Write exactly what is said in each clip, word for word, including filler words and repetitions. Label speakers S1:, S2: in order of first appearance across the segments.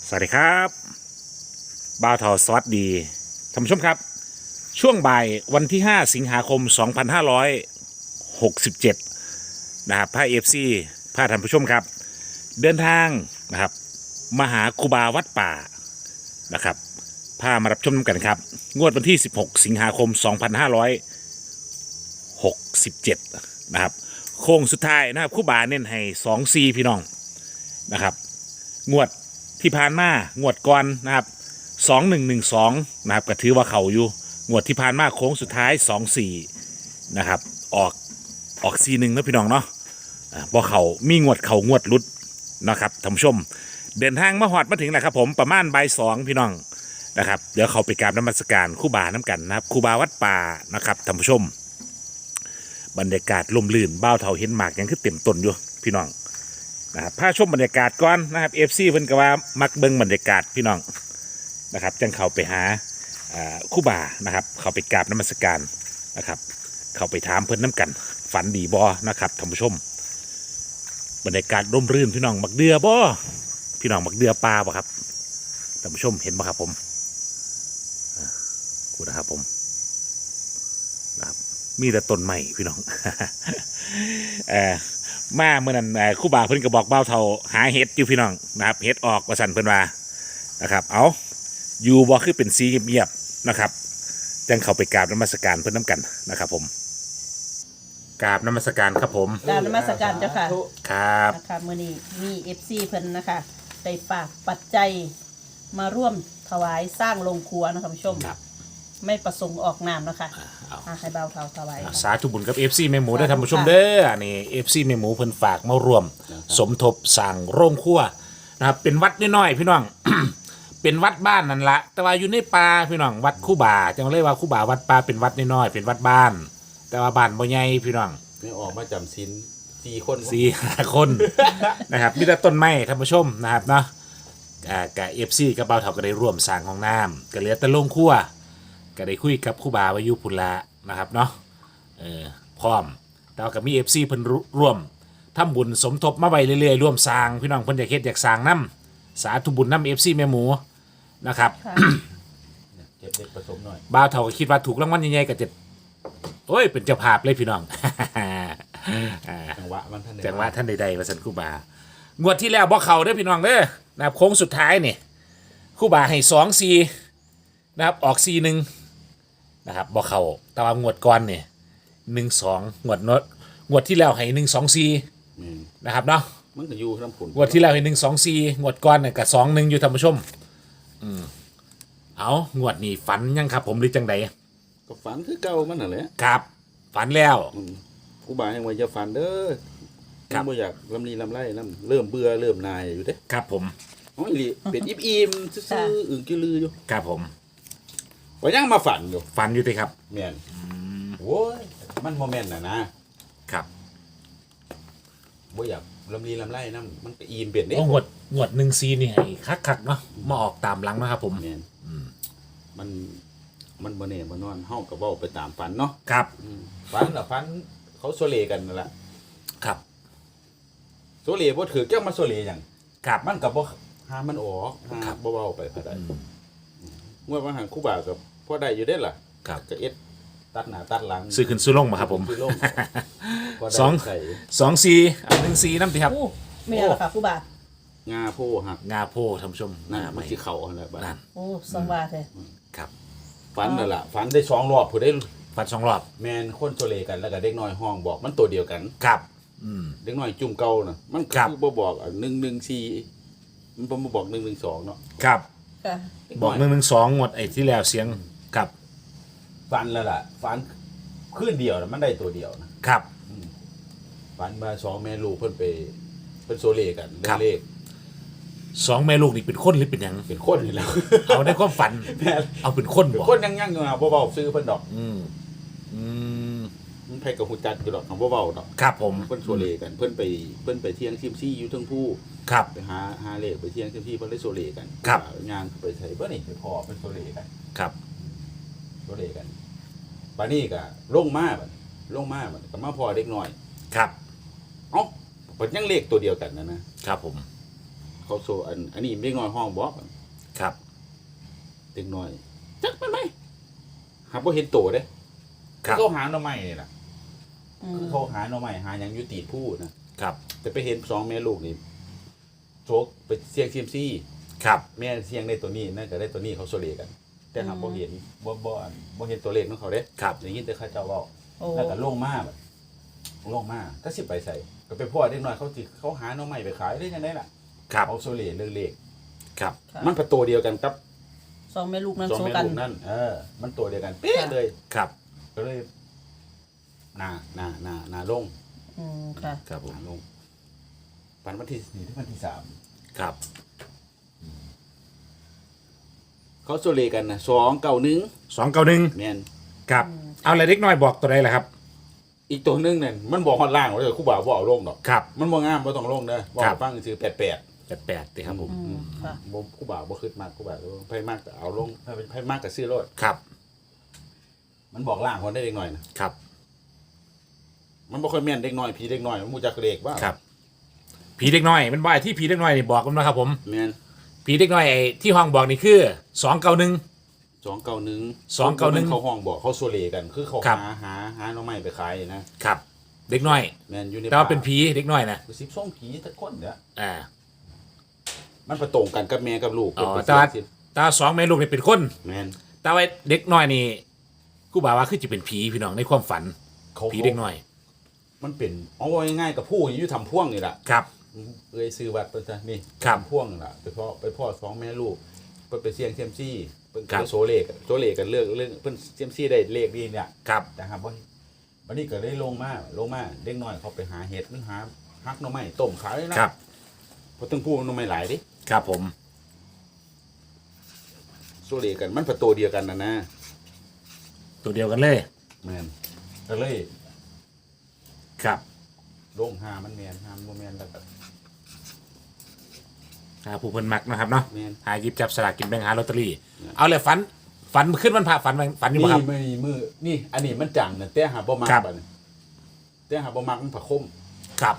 S1: สวัสดีครับบ่าวทอสวัสดีท่านผู้ชมครับช่วงบ่ายวันที่ห้าสิงหาคมสองพันห้าร้อยหกสิบเจ็ดนะครับพาเอฟซีพาท่านผู้ชมครับเดินทางนะครับมาหาครูบาวัดป่านะครับพามารับชมกันครับงวดวันที่สิบหกสิงหาคมสองพันห้าร้อยหกสิบเจ็ดนะครับโค้งสุดท้ายนะครับครูบาเน้นให้สองซีพี่น้องนะครับงวดที่ผ่านมางวดก่อนนะครับสองหนึ่งหนึ่งสองนะครับก็ถือว่าเขาอยู่งวดที่ผ่านมาโค้งสุดท้ายสองสี่นะครับออกออกซีหนึ่งนะพี่น้องเนาะอ่าพอเขามีงวดเขางวดรุดนะครับท่านผู้ชมเดินทางมาหอดมาถึงแล้วครับผมประมาณบ่ายสองพี่น้องนะครับเดี๋ยวเขาไปกราบนมัสการครูบาน้ำกันนะครับครูบาวัดป่านะครับท่านผู้ชมบรรยากาศลมลื่นบ้าวเถาเห็นหมากยังคือเต็มต้นอยู่พี่น้องนะครับพาชมบรรยากาศก่อนนะครับเอฟซีเพิ่นก็ว่ามักเบิ่งบรรยากาศพี่น้องนะครับจังเขาไปหาครูบานะครับเขาไปกราบนมัสการนะครับเขาไปถามเพิ่นน้ำกันฝันดีบ่นะครับท่านผู้ชมบรรยากาศร่มรื่นพี่น้องมักเดือบ่พี่น้องมักเดือปลาบ่ครับท่านผู้ชมเห็นบ่ครับผมกูนะครับผมนะครับมีแต่ต้นไม้พี่น้อง เออมาเมื่อนั้นครู่บาเพิ่นก็บอกเบ้าเท่าหาเห็ดอยู่พี่น้องนะครับเห็ดออกว่าสั่นเพิ่นว่านะครับเอาอยู่บ่คือเป็นสีเงียบๆนะครับจังเข้าไปกราบนมัสการเพิ่นน้ำกันนะครับผมกราบนมัสการครับผม
S2: กราบนมัสการเจ้าค่ะ
S1: ครับ
S2: นะคะมื้อนี้มีเอฟซีเพิ่นนะคะได้ฝากปัจจัยมาร่วมถวายสร้างโรงครัวนะคะผู้ชม
S1: ครับ
S2: ไม่ประสงค์ออกนามนะคะ
S1: เอา
S2: อ่ะให้เบาเท่าถวาย
S1: สาธุบุญกับ เอฟ ซี แม่หมูได้อท่านผู้ชมเด้ออันนี้ เอฟ ซี แม่หมูเพิ่นฝากมารวมสมทบสร้างโรงครัวนะครับเป็นวัดน้อยๆพี่น้อง เป็นวัดบ้านนั่นละแต่ว่าอยู่ในป่าพี่น้องวัดคู่บ่าจังเรียกว่าคู่บ่าวัดป่าเป็นวัดน้อยๆเป็นวัดบ้าน แต่ว่าบ้านบ่ใหญ่พี่น้อง
S3: ไม่ออกมาจำสินสี่คน
S1: สี่ห้าคน นะครับมีแต่ต้นไม้ท่านผู้ชมนะครับเนาะอ่ากับ เอฟ ซี กับเบาเถาก็ได้ร่วมสร้างห้องน้ำก็เหลือแต่โรงครัวก็ได้คุยกับคู่บ่าวาอยุพุนละนะครับเนาะเออพร้อมแต่ว่ากับมี เอฟ ซี เพิ่นร่วมทำบุญสมทบมาไว้เรื่อยๆร่วมสร้างพี่น้องเพิ่นอยากเฮ็ดอยากสร้างน้ำสาธุบุญน้ำ เอฟ ซี แม่หมูนะครับ
S2: ค่ะ
S3: เก็บเด็กผสมหน่อย
S1: บ่าวเถาก็คิดว่าถูกรางวัลใหญ่ๆก็จะโอ้ยเป็นเจ้าภาพเลยพี่น้อง อ่า
S3: จังหวะมันท่าน
S1: จังว่าท่านใดๆว่าสันครู่บางวดที่แล้วบ่เขาเด้อพี่น้องเด้อนะครับโค้งสุดท้ายนี่ครู่บาให้สองซีนะครับออกซีหนึ่งนะครับบ่เขาแต่ว่างวดก่อนเนี่ยหนึ่งสองงวดโนดงวดที่แล้วให้หนึ่งสองซี
S3: อืม
S1: นะครับเนาะ
S3: มันก็อยู่น้ำผุน
S1: งวดที่แล้วให้หนึ่งสองซีงวดก่อนเนี่ยกับสองหนึ่งอยู่ท่านผู้ชมอืมเอางวดนี้ฝันยังครับผมหรือจังใด
S3: ก็ฝันคือเก่ามันน่ะแหละ
S1: ครับฝันแล้ว
S3: อืมผู้บ่าวยังว่าจะฝันเด้อ
S1: ครับ
S3: บ่อยากลำลีลำไรลำเริ่มเบื่อเริ่มนายอยู่เด้
S1: ครับผม
S3: อ๋ออีหลีเป็นอิ่มอิ่มๆซื่อๆอึ่งกิลืออยู่
S1: ครับผม
S3: ว่ายังมาฝันอยู่
S1: ฝันอยู่ติครับ
S3: แม่นโว้ยมันโมเมนต์น่ะนะครับ บ่อยากลำลีลำไรนํมันก็อิ่มเป็นเด้
S1: โอ้งวดงวดหนึ่งซีนี่ให้คักๆเนาะมาออกตามหลังนะครับผม
S3: แม่นมันมันบ่แน่บ่นอนเฮาก็เว้าไปตามฝันเนาะ
S1: ครับ
S3: อืมฝันน่ะฝันเขาโซเลกันนั่นล่ะ
S1: ครับ
S3: โซเลบ่ถือแก้วมาโซเลหยัง
S1: ครับ
S3: มันก็บ่หามันออกหา
S1: ครับ
S3: บ่เว้าไปพอได้
S1: อืม
S3: เมื่อว่าหันครูบาก็พอได้อยู่เด้ล่ะ
S1: ครับ
S3: ก็เอ็ดตัดหน้าตัดหลัง
S1: ซื้อขึ้นซื้อลงมาครับผม
S3: ซื้อลงพได้
S1: สอง
S3: ใส่
S1: สองซีเอาหนึ่งซีน้ำติครับ
S2: อู้ไม่เอาหรอกค่ะผู้บาท
S3: งาโพหัก
S1: งาโพท่านผู้ชม
S3: นั่น
S1: งา
S3: มั
S1: ไม่
S3: นสิเข้าหั่นแหละบัด
S1: นั่น
S2: โอ้สังวาเถอะ
S1: ครับ
S3: ฝันนั่นล่ะฝันได้สองรอบผู้ได้
S1: ฟันสองรอบ
S3: แม่นคนโซเลกันแล้วก็เด็กน้อยห้องบอกมันตัวเดียวกัน
S1: ครับอืม
S3: เด็กน้อยจุ่มเก่าน่ะมันก็
S1: ครับ
S3: คือบ่บอกอ่ะหนึ่งหนึ่งสี่มันบ่มาบอกหนึ่งหนึ่งสองเนาะ
S1: ครับ
S2: ค่ะ
S3: เด็
S1: บอกหนึ่งหนึ่งสองงวดไอ้ที่แล้วเสียงครับ
S3: ฝันแล้วล่ะฝันคืนเดียวน่ะมันได้ตัวเดียวนะครับ ฝันมาสองแม่ลูกเพิ่นไปเพิ่นโซเลกันเรื่องเลข
S1: สองแม่ลูกนี่เป็นคนหรือเป็นหยัง
S3: เป็นคนนี่แหล้ว
S1: เอาในความฝัน
S3: แม่น
S1: เอาเป็นคน
S3: เป็น
S1: บอก
S3: คนยังยังอยู่อ่ะบ่เว้าซื้อเพิ่นดอก
S1: อืมอืม
S3: มันไผกับฮู้จักอยู่ดอกคำบ่เว้าดอก
S1: ครับผม
S3: เพิ่นโซเลกันเพิ่นไปเพิ่นไปเที่ยงซิมซี่อยู่เทั้งผู้
S1: ครับ
S3: ไปหาหาเลขไปเที่ยงซิมซี่เพิ่นเลยโซเลกัน
S1: ครับ
S3: งานไปใส่บ่นี่ไปพอเพิ่นโซเลกัน
S1: ครับ
S3: โซเลกันบัดนี้ก็ลงมาบัดลงมาบัดก็มาพอเด็กน้อย
S1: ครับ
S3: เอ้าเพิ่นยังเลขตัวเดียวกันนะนะครับ
S1: ผม
S3: เเขาโซอันอันนี้เด็กน้อยห้องบอก
S1: ครับ
S3: เด็กน้อยจักมันไหมหาบ่เห็นโตเด้
S1: ครับ
S3: เขาหาหน่อไม้นี่ล่ะ
S2: อืม
S3: เขาหาหน่อไม้หาหยังอยู่ตีดผู้นะครับ แต่ไปเห็นสองแม่ลูกนี่โชคไปเสี่ยงเซียมซี่
S1: ครับ
S3: แม่เสี่ยงได้ตัวนี้นั่นก็ได้ตัวนี้เขาโซเลกัน แต่หาบ่เห็นบ่บ่อันบ่เห็นตัวเลขของเขาเด้
S1: ครับ
S3: ได้ยินแต่เขาเจ้าเว้า
S2: โอ้
S3: แล้วก็ลงมาแบบลงมาก็สิไปใส่ก็ไปพ่อเด็กน้อยเขาสิเขาหาหน่อไม้ไปขายได้ยังไงล่ะ
S1: ครับ
S3: เอาโซเลเรื่องเลข
S1: ครับ
S2: ค่ะ
S3: มันเป็นตัวเดียวกันกับ
S2: สองแม่ลูกนั้น
S3: สอง
S2: โซ
S3: แม่
S2: กัน
S3: ลูกนั่นเออ มันตัวเดียวกันเป๊ะเลย
S1: ครับ
S3: ก็เลยหนาหนาหนาหนาลง
S2: อืมค่ะ
S1: ครับผ
S3: ห
S1: ม
S3: นาลงปันวันที่สี่ถึงวันที่สาม
S1: ครับ
S3: เขาโซเลกันนะสองเก้าหนึ่ง
S1: สองเก้าหนึ่ง
S3: แมน
S1: ครับ เอาอะไรเล็กน้อยบอกตัวใดล่ะครับ
S3: อีกตัวหนึงเนี่ยมันบอกฮอดล่างว่าเลยคู่บ่าวบ่เอาลงดอก
S1: ครับ
S3: มันบ่งามบ่ต้องลงเด้อบ่
S1: ครับ
S3: ฟังซื้อแปดแปด
S1: แปดแปดติครับผม
S2: อืมค่ะ
S3: บ่คู่บ่าวบ่ขึ้นมากคู่บ่าวไผมากก็เอาลงไผมากก็ซื้อรถ
S1: ครับ
S3: มันบอกล่างคนได้เด็กหน่อยนะครับ มันบ่ค่อยแม่นเด็กน้อยผีเด็กน้อยมันมูจักเลขว่า
S1: ครับ ผีเด็กน้อยมันบ่อยที่ผีเด็กน้อยนี่บอกกันนะครับผม
S3: แม่น
S1: ผีเด็กน้อยไอ้ที่ห้องบอกนี่คือสองเก้าหนึ่ง
S3: สองเก้าหนึ่ง
S1: สองเก้าหนึ่ง
S3: เขาห้องบอกเขาโซเลกัน คือเขา
S1: ครับ
S3: หาหาหาหน่อไม้ไปขายนะครับ
S1: เด็กน้อย
S3: แม่นอยู่ใน
S1: แต่ว่าเป็นผีเด็กน้อยนะ
S3: สิบสองผีตะคนเนี่ย
S1: อ่า
S3: มันประตรงกันกับแม่กับลูก
S1: อ๋อ
S3: เป็น
S1: แต่ว่า
S3: เสียง
S1: แต่ว่าสองแม่ลูกนี่เป็นคน
S3: แม่น
S1: แต่ว่าเด็กน้อยนี่กูบอกว่าคือจะเป็นผีพี่น้องในความฝัน
S3: เขา
S1: ผีเด็กน้อย
S3: มันเป็นเอาไว้ง่ายๆกับผู้อยู่ทำพ่วงนี่แหละ
S1: ครับ
S3: เอ้ยซื้อวัดเพิ่นซะนี่
S1: ครับ
S3: ทำพ่วงนี่ล่ะไปพ่อไปพ่อสองแม่ลูกเพิ่นไปเสี่ยงเซียมซี่เพิ่น
S1: ครับ
S3: ก็โซเลกันโซเลกันเรื่องเรื่องเพิ่นเซียมซี่ได้เลขดีเนี่ย
S1: ครับ
S3: นะครับว่าวันนี้ก็ได้ลงมาลงมาเด็กน้อยเขาไปหาเห็ดมันหาฮักหน่อไม้ต้มขายเลยนะครับ เพราะต้องพูดหน่อไม้หลายดิ
S1: ครับผม
S3: โซเลกันมันประตูเดียวกันนะนะ
S1: ตัวเดียวกันเลย
S3: แมนก็เลย
S1: ครับ
S3: ลงหามันแมนหามันบ่แมนแล้วก็
S1: หาผู้เพิ่นมักนะครับเนาะ
S3: แม่น
S1: หาหยิบจับสลากกินแบ่งหาลอตเตอรี่เอาเลยฝันฝันขึ้นวันพระฝันฝันอยู่บ่
S3: นี่
S1: ครับ
S3: ไม่มือนี่ อันนี้มันจังนะแต่หาบ่มัก
S1: ครับ
S3: บัดนี้แต่หาบ่มักมันผักคม
S1: ครับ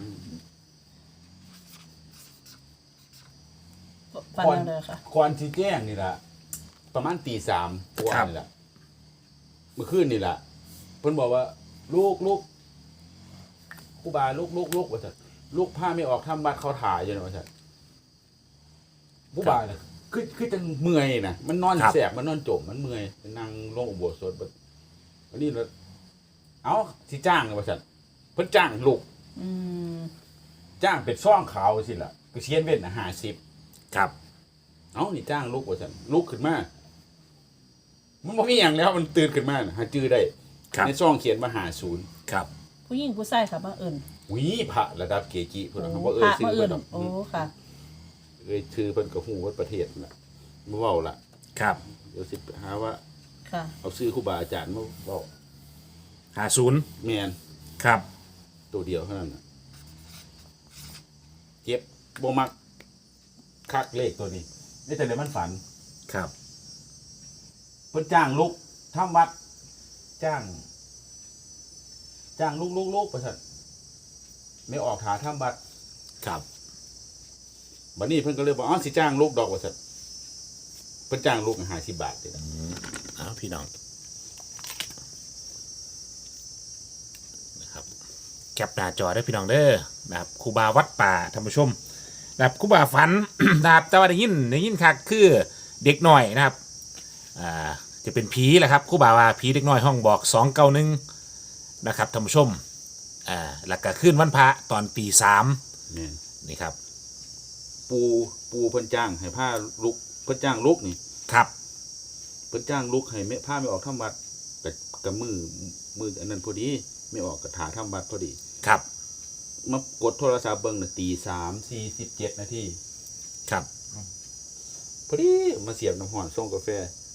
S2: ฟันนั่นเลยค่ะ
S3: ก่อนที่แจ้งนี่ล่ะประมาณตีสามตัวานี่ล่ะเมื่อคืนนี่ล่ะเพิ่นบอกว่า ลูกลูกครูบาลูกลูกลูกว่าซั่นลูกผ้าไม่ออกทำบัตรเขาถ่ายอยู่นะว่าซั่นครูบาน่ะคือคือจังเมื่อยน่ะมันนอน
S1: ครับ
S3: แสบมันนอนจมมันเมื่อยนั่งลงอุโบสถบัดวันนี้แล้วเอ้าสิจ้างว่าซั่นเพิ่นจ้างลูก
S2: อืม
S3: จ้างเป็นซ่องขาวสิล่ะก็เชียนเว้นน่ะห้าสิบ
S1: ครับ
S3: เอ้านี่จ้างลูกว่าซั่นลูกขึ้นมามันบ่มีหยังแล้วมันตื่นขึ้นมาน่ะหาจื้อได้
S1: ครับ
S3: ในซ่องเขียนว่าห้าสิบ
S1: ครับ
S2: ผู้หญิงผู้ชายค่ะบังเอิญ
S3: วิพระระดับเกจิเพิ่น
S2: โอ้
S3: น่ะบ่เอ่
S2: พ
S3: ย
S2: ระ
S3: ชื่
S2: มา
S3: อ
S2: เอิ
S3: เพิ่
S2: ญ
S3: นดอก
S2: โอ้ค่ะ
S3: เอ่ยชื่อเพิ่นก็ฮู้ว่าประเทศน่ะบ่เว้าล่ะ
S1: ครับ
S3: เดี๋ยวสิหาว่า
S2: ค่ะ
S3: เอาชื่อครูบาอาจารย์มาเว้า
S1: หาศูนย์
S3: แม่น
S1: ครับ
S3: ตัวเดียวเท่านั้นน่ะเจ็บบ่มักคักเลขตัวนี้นี่แต่เดี๋ยวมันฝัน
S1: ครับ
S3: เพิ่นจ้างลูกทำวัด จ้าง จ้างลูกลูกลูกประสันไม่ออกหาทำวัด
S1: ครับ
S3: บัดนี้เพิ่นก็เลยบอกอ๋อสิจ้างลูกดอกประสันเพิ่นจ้างลูกห้าสิบบาทเด้อ
S1: เอาพี่น้องนะครับแคปหน้าจอได้พี่น้องเด้อนะครับครูบาวัดป่าท่านผู้ชมนะครับครูบาฝัน นะครับแต่ว่าได้ยินได้ยินคักคือเด็กน้อยนะครับอ่าจะเป็นผีแหละครับครูบาว่าผีเด็กน้อยห้องบอกสองเก้าหนึ่งนะครับท่านผู้ชมอ่าแล้วก็ขึ้นวันพระตอนปีสาม
S3: แม่น
S1: นี่ครับ
S3: ปูปูเพิ่นจ้างให้ผ้าลูกเพิ่นจ้างลูกนี่
S1: ครับ
S3: เพิ่นจ้างลูกให้แม่ผ้าไม่ออกทำวัดกับกับมือมืออันนั้นพอดีไม่ออกกับถาทำวัดพอดี
S1: ครับ
S3: มากดโทรศัพท์เบิ่งน่ะตีสามสี่สิบเจ็ดนาที
S1: ครับ
S3: พอดีมาเสียบน้ำหอนส่งกาแฟ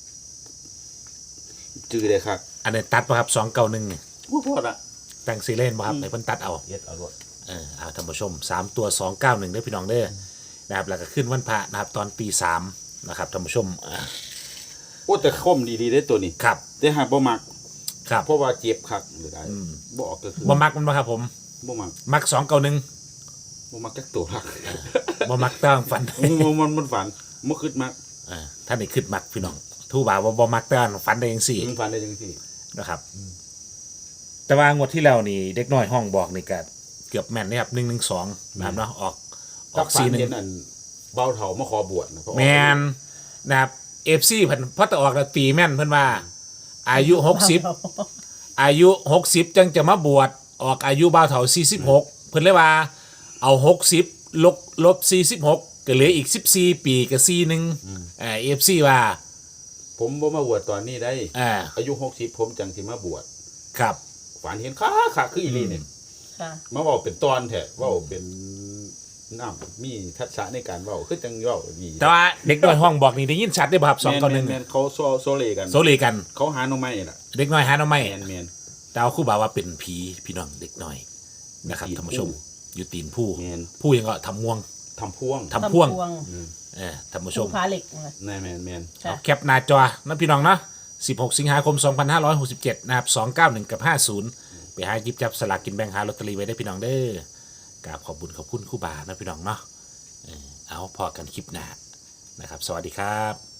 S3: จื้อได้ครับ
S1: อันนี้ตัดป่ะครับสองเก้าหนึ่ง
S3: บ่พอละ
S1: แต่งซีเล่นป่ะครับในเพิ่นตัดเอา
S3: เย็ดเอารถ
S1: เออเอาท่านผู้ชมสามตัวสองเก้าหนึ่งได้อพี่น้องเด้อนะครับแล้วก็ขึ้นวันพระนะครับตอนปีสามนะครับท่านผู้ชมอ่า
S3: โอ้แต่คมดีๆได้ตัวนี้
S1: ครับ
S3: แต่หากบ่มัก
S1: ครับ
S3: เพราะว่าเจ็บคักหรือได้
S1: อืม
S3: บ่ออกก็คือ
S1: บ่มักมันบ่ครับผม
S3: บ่มัก
S1: มักสองเก้าหนึ่ง
S3: บ่บ่มักจักตัวหลัก
S1: บ่มักต้องฝัน
S3: มันมันมันฝันบ่คิดมัก
S1: เออท่านนี่ขึ้นมักพี่น้องทูบ่าวว่าบ่มักต้องฝันได้จังซี่
S3: มันฝันได้จังซี่
S1: นะครับ แต่ว่างวดที่แล้วนี่เด็กน้อยห้องบอกนี่ก็เกือบแม่นนะครับหนึ่งหนึ่งสองนะครับเนาะออกอ
S3: กั
S1: อบ ก
S3: ฝัน
S1: สี่หนึ่ง
S3: เห็นอันเบาเฒ่ามาขอบวชนะเพราะ
S1: แมนนะครับเอฟซีเพิ่นพอตะออกแล้วตีแม่นเพิ่นว่า อายุหกสิบอายุหกสิบจังจะมาบวชออกอายุบ่าวเฒ่าสี่สิบหกเพิ่นเลยว่า เอาหกสิบลบลบสี่สิบหกก็เหลืออีกสิบสี่ปีกับสี่หนึ่งอ่าเอฟซีว่า
S3: ผมบ่มาบวชตอนนี้ได้
S1: อ่า
S3: อายุหกสิบผมจังสิมาบวช
S1: ครับ
S3: ฝันเห็นค้าขาคืออีหลีเนี่ย
S2: ค่ะ
S3: มาเว้าเป็นตอนแท้เว้าเป็นน้ำมีทักษะในการเว้าคือจังเว้าดี
S1: แต่ว่าเด็กน้อยห้องบอกนี่ได้ยินชัดได้อบ่ครับสองต่อหนึ่ง
S3: แม่นๆเขาโซโซเลกัน
S1: โซเลกัน
S3: เขาหาหน่อไม้น่ะ
S1: เด็กน้อยหาหน่อไม้
S3: แม่นแม่น
S1: แต่เอาครู่บ่าวว่าเป็นผีพี่น้องเด็กน้อยนะครับ
S3: ตีน
S1: ท่านผู้ชม
S3: ผู้
S1: อยู่ตีนผู้
S3: แม่น
S1: ผู้ยังก็ทำม่วง
S3: ทำพ่วง
S1: ทำพ่วง
S3: อืม
S1: เออท่านผู้ช
S2: ผู้
S1: ม
S2: ค้าเหล็กนะ
S3: แม่นแม่นแม่น
S2: ค่ะ
S1: เอาแคปหน้าจอนะพี่น้องเนาะสิบหกสิงหาคมสองพันห้าร้อยหกสิบเจ็ดนะครับสองเก้าหนึ่งกับห้าศูนย์ไปหาหยิบจับสลากกินแบ่งหาลอตเตอรี่ไว้ได้พี่น้องเด้อกราบขอบบุญขอบคุณครู่บานะพี่น้องเนาะเออเอาพอกันคลิปหน้านะครับ สวัสดีครับ